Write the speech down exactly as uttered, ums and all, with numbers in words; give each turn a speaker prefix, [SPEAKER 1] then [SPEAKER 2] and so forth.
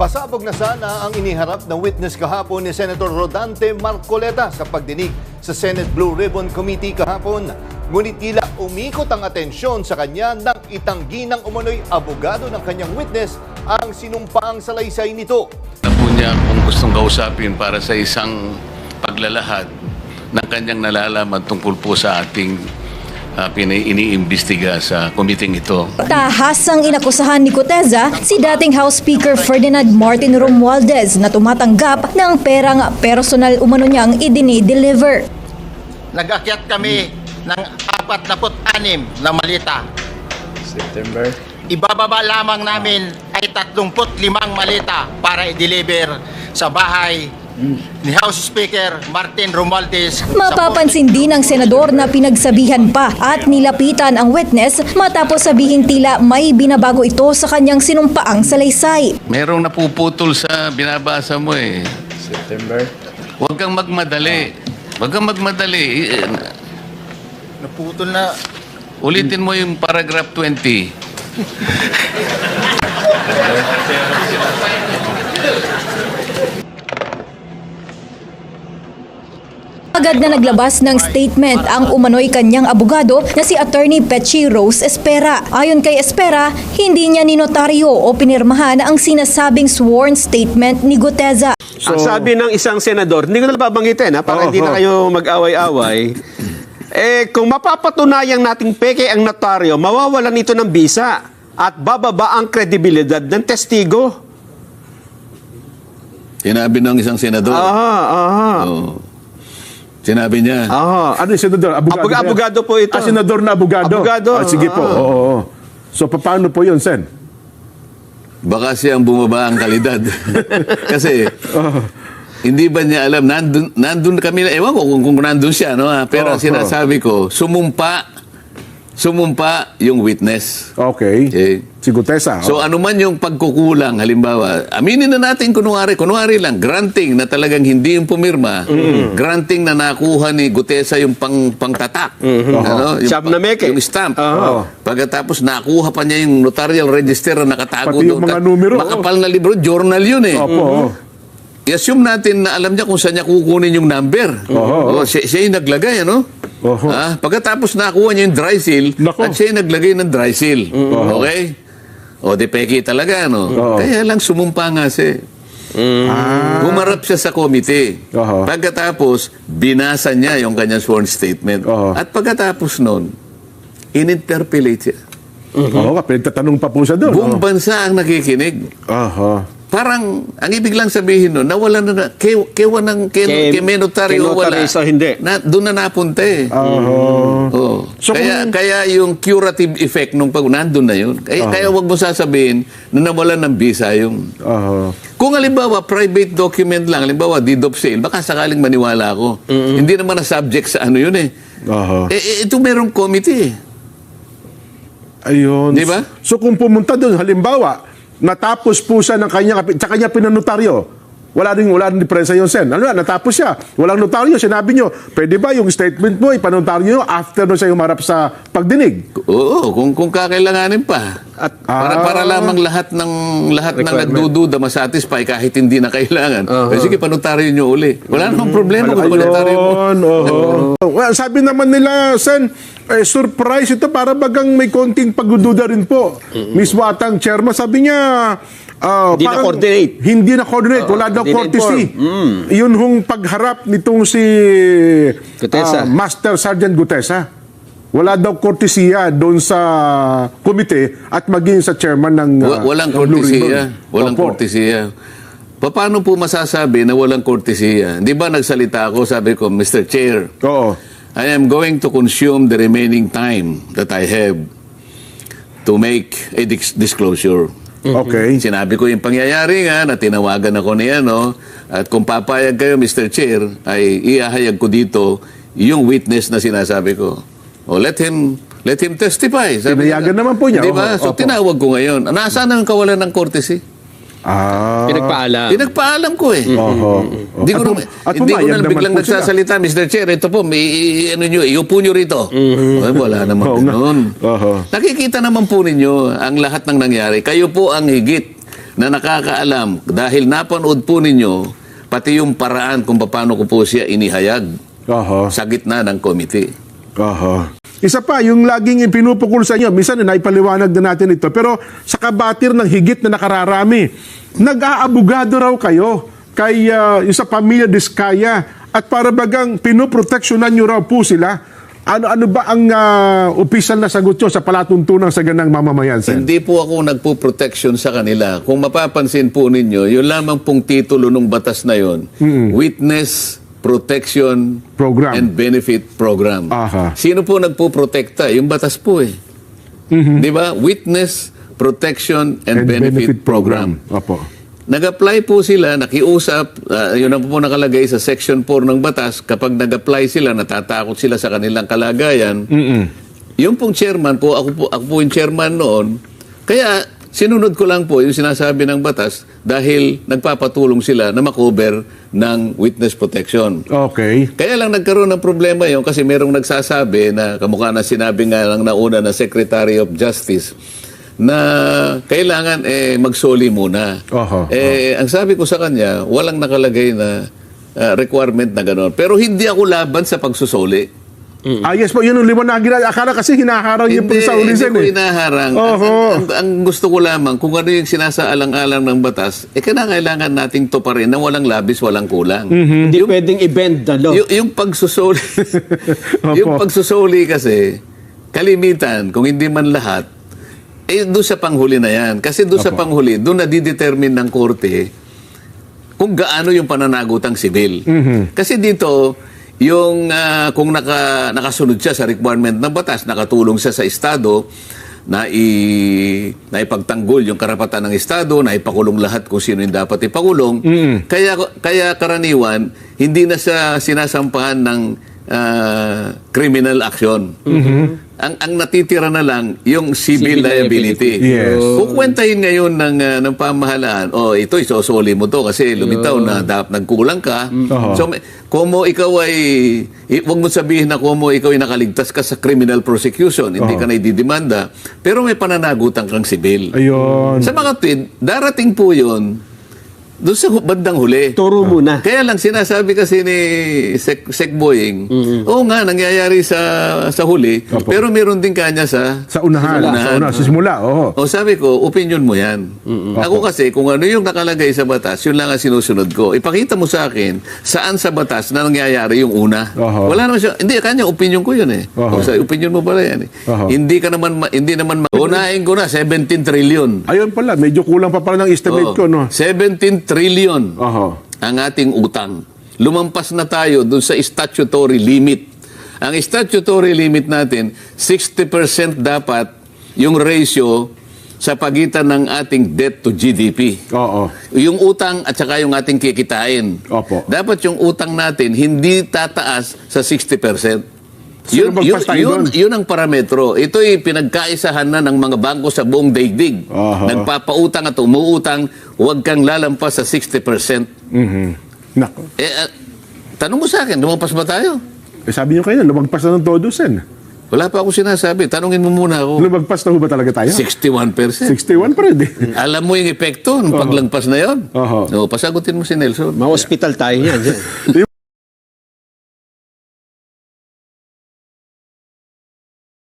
[SPEAKER 1] Pasabog na sana ang iniharap ng witness kahapon ni Senator Rodante Marcoleta sa pagdinig sa Senate Blue Ribbon Committee kahapon. Ngunit tila umikot ang atensyon sa kanya nang itanggi ng umano'y abogado ng kanyang witness ang sinumpaang salaysay nito.
[SPEAKER 2] Na po niya kung gustong kausapin para sa isang paglalahad ng kanyang nalalaman tungkol po sa ating uh, iniimbestiga sa komiting ito.
[SPEAKER 3] Tahasang inakusahan ni Gutesa si dating House Speaker Ferdinand Martin Romualdez na tumatanggap ng perang personal umano niyang idini-deliver.
[SPEAKER 4] Nag-akyat kami ng apat na anim na malita.
[SPEAKER 5] September.
[SPEAKER 4] Ibababa lamang namin ay tatlumpu't limang malita para i-deliver sa bahay ni House Speaker Martin Romualdez.
[SPEAKER 3] Mapapansin din ng senador na pinagsabihan pa at nilapitan ang witness matapos sabihin tila may binabago ito sa kanyang sinumpaang salaysay.
[SPEAKER 2] Merong napuputol sa binabasa mo eh.
[SPEAKER 5] September.
[SPEAKER 2] Huwag kang magmadali. Huwag kang magmadali. Eh,
[SPEAKER 4] Naputol na.
[SPEAKER 2] Ulitin mo yung paragraph twenty.
[SPEAKER 3] Agad na naglabas ng statement ang umano'y kanyang abogado na si Attorney Pechi Rose Espera. Ayon kay Espera, hindi niya ninotaryo o pinirmahan ang sinasabing sworn statement ni Gutesa.
[SPEAKER 6] So, ang sabi ng isang senador, hindi ko na babanggitin ha, para
[SPEAKER 1] Oo,
[SPEAKER 6] hindi na
[SPEAKER 1] oo.
[SPEAKER 6] kayo mag-away-away. Eh, kung mapapatunayang nating peke ang notaryo, mawawalan ito ng bisa at bababa ang kredibilidad ng testigo.
[SPEAKER 2] Sinabi ng isang senador.
[SPEAKER 6] Aha, aha.
[SPEAKER 2] Oh. Sinabi niya.
[SPEAKER 6] Aha.
[SPEAKER 5] Ano yung senador? Abogado,
[SPEAKER 6] Abog-
[SPEAKER 5] ba yan?
[SPEAKER 6] abogado po ito.
[SPEAKER 5] Ah, senador na abogado?
[SPEAKER 6] Abogado.
[SPEAKER 5] Ah, sige po.
[SPEAKER 6] Ah.
[SPEAKER 5] Oo, oo. So, paano po yun, Sen?
[SPEAKER 2] Baka siyang bumaba ang kalidad. Kasi, hindi ba niya alam, nandun, nandun kami, ewan ko kung, kung nandun siya, no? ha? Pero
[SPEAKER 5] Oh,
[SPEAKER 2] ang sinasabi ko, sumumpa, sumumpa yung witness.
[SPEAKER 5] Okay.
[SPEAKER 2] Okay.
[SPEAKER 5] Si Gutesa.
[SPEAKER 2] So ano man yung pagkukulang, halimbawa, aminin na natin kunwari, kunwari lang, granting na talagang hindi yung pumirma, granting na nakuha ni Gutesa yung pang, pangtatak. Ano? Yung,
[SPEAKER 6] Siyam na meke.
[SPEAKER 2] yung stamp.
[SPEAKER 6] Oo.
[SPEAKER 2] Pagkatapos nakuha pa niya yung notarial register na nakatago
[SPEAKER 5] Pati yung
[SPEAKER 2] doon.
[SPEAKER 5] mga numero.
[SPEAKER 2] Makapal na libro, journal yun eh.
[SPEAKER 5] Opo.
[SPEAKER 2] I-assume natin na alam niya kung saan niya kukunin yung number.
[SPEAKER 5] Oo.
[SPEAKER 2] Oh, siya, siya yung naglagay, ano?
[SPEAKER 5] Oo.
[SPEAKER 2] Ah, pagkatapos nakuha niya yung dry seal,
[SPEAKER 5] Nako.
[SPEAKER 2] at siya yung naglagay ng dry seal. Okay? O, di peki talaga, no?
[SPEAKER 5] Oo.
[SPEAKER 2] Kaya lang sumumpa nga siya.
[SPEAKER 5] Ah.
[SPEAKER 2] Humarap siya sa komite.
[SPEAKER 5] Oo.
[SPEAKER 2] Pagkatapos, binasa niya yung kanyang sworn statement.
[SPEAKER 5] Oo.
[SPEAKER 2] At pagkatapos nun, in-interpellate siya.
[SPEAKER 5] Oo, pinagtatanong pa po siya doon.
[SPEAKER 2] Buong
[SPEAKER 5] Oo.
[SPEAKER 2] bansa ang nakikinig.
[SPEAKER 5] Aha.
[SPEAKER 2] Parang, ang ibig lang sabihin nun, nawala na na, ke, kewa ng, ke,
[SPEAKER 6] Ke-
[SPEAKER 2] ke menotaryo wala.
[SPEAKER 6] kenotaryo sa hindi.
[SPEAKER 2] Na, doon na napunta eh.
[SPEAKER 5] Aha.
[SPEAKER 2] Oo.
[SPEAKER 5] So
[SPEAKER 2] kaya,
[SPEAKER 5] kung-
[SPEAKER 2] kaya yung curative effect nung pag nandun na yun. Kaya, kaya wag mo sasabihin na nawalan ng visa yung...
[SPEAKER 5] Aha.
[SPEAKER 2] Kung halimbawa, private document lang, halimbawa, deed of sale, baka sakaling maniwala ako. Hindi naman na subject sa ano yun eh.
[SPEAKER 5] Aha.
[SPEAKER 2] Eh, eh, ito merong committee eh.
[SPEAKER 5] Ayun.
[SPEAKER 2] Di ba?
[SPEAKER 5] So kung pumunta doon, halimbawa, natapos po siya ng kanya, sa kanya pinanotaryo, wala rin, wala rin diferensya yun, Sen. Ano na, natapos siya. Walang notaryo. Sinabi nyo, pwede ba yung statement mo, ipanotaryo nyo after na siya humarap sa pagdinig?
[SPEAKER 2] Oo, kung kung kakailanganin pa. At para
[SPEAKER 5] Ah.
[SPEAKER 2] para lamang lahat ng lahat ng
[SPEAKER 6] Requirement.
[SPEAKER 2] nagdududa masatisfy kahit hindi na kailangan. Eh, sige, panotaryo nyo uli. Wala namang problema kung panotaryo mo.
[SPEAKER 5] Ayun, oo. Well, sabi naman nila, Sen, eh, surprise ito para bagang may konting pagdududa rin po. Mismo atang chairman, sabi niya, ah,
[SPEAKER 6] Hindi
[SPEAKER 5] parang
[SPEAKER 6] na-coordinate.
[SPEAKER 5] Hindi na-coordinate. Wala daw
[SPEAKER 6] hindi
[SPEAKER 5] courtesy. Yun hong pagharap nitong si
[SPEAKER 6] Gutesa.
[SPEAKER 5] ah, Master Sergeant Gutesa. Wala daw kortesiya doon sa komite at maging sa chairman ng
[SPEAKER 2] Wa-
[SPEAKER 5] ah,
[SPEAKER 2] walang
[SPEAKER 5] ng Blue
[SPEAKER 2] kortesiya.
[SPEAKER 5] Ribbon.
[SPEAKER 2] Walang
[SPEAKER 5] Opo.
[SPEAKER 2] kortesiya. Pa- Paano po masasabi na walang kortesiya? Di ba nagsalita ako, sabi ko, Mister Chair,
[SPEAKER 5] Oo.
[SPEAKER 2] I am going to consume the remaining time that I have to make a dis- disclosure.
[SPEAKER 5] Okay.
[SPEAKER 2] Sinabi ko yung pangyayari nga na tinawagan ako ni ano, at kung papayag kayo, Mister Chair, ay iahayag ko dito yung witness na sinasabi ko. O let him let him testify. Sabi
[SPEAKER 5] Tinayagan naman po niya.
[SPEAKER 2] Di ba?
[SPEAKER 5] Oho,
[SPEAKER 2] So
[SPEAKER 5] opo.
[SPEAKER 2] tinawag ko ngayon. Nasaan ang kawalan ng courtesy?
[SPEAKER 5] Ah.
[SPEAKER 6] Pinagpaalam.
[SPEAKER 2] Pinagpaalam ko eh.
[SPEAKER 5] Oho.
[SPEAKER 2] Hindi ko
[SPEAKER 5] At
[SPEAKER 2] na,
[SPEAKER 5] pum- at
[SPEAKER 2] hindi ko
[SPEAKER 5] pumayag
[SPEAKER 2] na
[SPEAKER 5] naman
[SPEAKER 2] biglang
[SPEAKER 5] po sila.
[SPEAKER 2] nagsasalita, Mister Chair, ito po, may, ano nyo, iupo nyo rito. Ay, wala naman
[SPEAKER 5] Oo nga.
[SPEAKER 2] ganun.
[SPEAKER 5] Oho.
[SPEAKER 2] Nakikita naman po ninyo ang lahat ng nangyari. Kayo po ang higit na nakakaalam dahil napanood po ninyo pati yung paraan kung paano ko po siya inihayag
[SPEAKER 5] Oho.
[SPEAKER 2] sa gitna ng committee.
[SPEAKER 5] Oho. Isa pa, yung laging pinupukol sa inyo, minsan na naipaliwanag na natin ito, pero sa kabatir ng higit na nakararami, nag-aabogado raw kayo kay uh, yung sa pamilya Diskaya at para bagang pinoproteksyonan nyo raw po sila. Ano-ano ba ang uh, opisyal na sagot nyo sa palatuntunan sa ganang mamamayan, Sen?
[SPEAKER 2] Hindi po ako nagpo-protection sa kanila. Kung mapapansin po ninyo, yun lamang pong titulo ng batas na yun, Witness Protection
[SPEAKER 5] Program.
[SPEAKER 2] and Benefit Program.
[SPEAKER 5] Aha.
[SPEAKER 2] Sino po nagpo-protekta? Yung batas po eh. Di ba? Witness Protection and,
[SPEAKER 5] And
[SPEAKER 2] Benefit, Program.
[SPEAKER 5] Opo.
[SPEAKER 2] Nag-apply po sila, nakiusap, uh, yun ang po nakalagay sa Section four ng batas, kapag nag-apply sila, natatakot sila sa kanilang kalagayan. Yung pong chairman po, ako po, ako po yung chairman noon, kaya sinunod ko lang po yung sinasabi ng batas dahil nagpapatulong sila na makover ng witness protection.
[SPEAKER 5] Okay.
[SPEAKER 2] Kaya lang nagkaroon ng problema yun kasi merong nagsasabi na kamukha na sinabi nga lang nauna na Secretary of Justice na kailangan eh magsoli muna.
[SPEAKER 5] Oho,
[SPEAKER 2] eh ang sabi ko sa kanya, walang nakalagay na uh, requirement na gano'n. Pero hindi ako laban sa pagsusoli.
[SPEAKER 5] Ah, yes po, yun ang liwanagin na. Akala kasi hinaharang yung
[SPEAKER 2] Hindi,
[SPEAKER 5] sa
[SPEAKER 2] hindi
[SPEAKER 5] ulisan
[SPEAKER 2] ko
[SPEAKER 5] eh.
[SPEAKER 2] inaharang.
[SPEAKER 5] Oho.
[SPEAKER 2] Ang, ang, ang gusto ko lamang, kung ano yung sinasaalang-alang ng batas, eh kailangan nating tuparin na walang labis, walang kulang.
[SPEAKER 6] Hindi pwedeng i-bend the law.
[SPEAKER 2] Y- yung pagsusoli,
[SPEAKER 5] Opo.
[SPEAKER 2] yung pagsusoli kasi, kalimitan, kung hindi man lahat, eh doon sa panghuli na yan. Kasi doon sa
[SPEAKER 5] Opo.
[SPEAKER 2] panghuli, doon na didetermine ng korte kung gaano yung pananagutang sibil. Kasi dito, yung ah, kung naka, nakasunod siya sa requirement ng batas, nakatulong siya sa Estado, na i na ipagtanggol yung karapatan ng Estado, na ipakulong lahat kung sino yung dapat ipakulong. Kaya kaya karaniwan hindi na siya sinasampahan ng ah, criminal action. Ang ang natitira na lang yung civil,
[SPEAKER 6] Civil
[SPEAKER 2] liability.
[SPEAKER 6] liability.
[SPEAKER 5] Yes.
[SPEAKER 2] Kukwentahin ngayon ng ah, ng pamahalaan, oh ito isosoli mo to kasi lumitaw na dapat nagkulang ka.
[SPEAKER 5] Oho.
[SPEAKER 2] So may- kumo ikaw ay i- wag mo sabihin na kumo ikaw ay nakaligtas ka sa criminal prosecution, hindi
[SPEAKER 5] Oho.
[SPEAKER 2] ka na ididimanda, pero may pananagutan kang sibil.
[SPEAKER 5] Ayun.
[SPEAKER 2] Sa mga tweet, darating po 'yon doon sa hu- bandang huli.
[SPEAKER 6] Turo muna.
[SPEAKER 2] Kaya lang sinasabi kasi ni Sec, Sec Boying, oo nga, nangyayari sa sa huli,
[SPEAKER 5] Opo.
[SPEAKER 2] pero meron din kanya sa
[SPEAKER 5] Sa unahan.
[SPEAKER 2] Sa
[SPEAKER 5] Sa una, sa simula. Oo.
[SPEAKER 2] o sabi ko, opinion mo yan. Ako kasi, kung ano yung nakalagay sa batas, yun lang ang sinusunod ko. Ipakita mo sa akin, saan sa batas na nangyayari yung una.
[SPEAKER 5] Oho.
[SPEAKER 2] Wala naman siya. Hindi, kanya, opinion ko yun eh. O
[SPEAKER 5] Oho.
[SPEAKER 2] sa opinion mo pala yan eh.
[SPEAKER 5] Oho.
[SPEAKER 2] Hindi ka naman, ma- hindi naman, ma- unahin ko na, seventeen trillion.
[SPEAKER 5] Ayun pala, medyo kulang pa pala ng estimate
[SPEAKER 2] Oo.
[SPEAKER 5] ko, no?
[SPEAKER 2] seventeen trillion
[SPEAKER 5] Oho.
[SPEAKER 2] ang ating utang. Lumampas na tayo dun sa statutory limit. Ang statutory limit natin, sixty percent dapat yung ratio sa pagitan ng ating debt to G D P.
[SPEAKER 5] Oo.
[SPEAKER 2] Yung utang at saka yung ating kikitain.
[SPEAKER 5] Opo.
[SPEAKER 2] Dapat yung utang natin hindi tataas sa sixty percent.
[SPEAKER 5] Sino
[SPEAKER 2] Yun, yun,
[SPEAKER 5] magpas tayo
[SPEAKER 2] yun,
[SPEAKER 5] doon?
[SPEAKER 2] yun ang parametro. Ito'y pinagkaisahan na ng mga bangko sa buong daigdig.
[SPEAKER 5] Aha.
[SPEAKER 2] Nagpapautang at umuutang, huwag kang lalampas sa sixty percent.
[SPEAKER 5] Mhm. Nako.
[SPEAKER 2] Eh, ah, tanong mo sa akin, lumampas ba tayo?
[SPEAKER 5] Eh, sabi niyo kayo, lumagpas na ng todo, Sen.
[SPEAKER 2] Wala pa ako sinasabi. Tanungin mo muna ako.
[SPEAKER 5] Lumagpas na ho ba talaga tayo?
[SPEAKER 2] sixty-one percent.
[SPEAKER 5] sixty-one pa rin, eh.
[SPEAKER 2] Alam mo yung epekto ng paglagpas na yon?
[SPEAKER 5] Oho.
[SPEAKER 2] So, pasagutin mo si Nelson.
[SPEAKER 6] Ma-hospital tayo yan.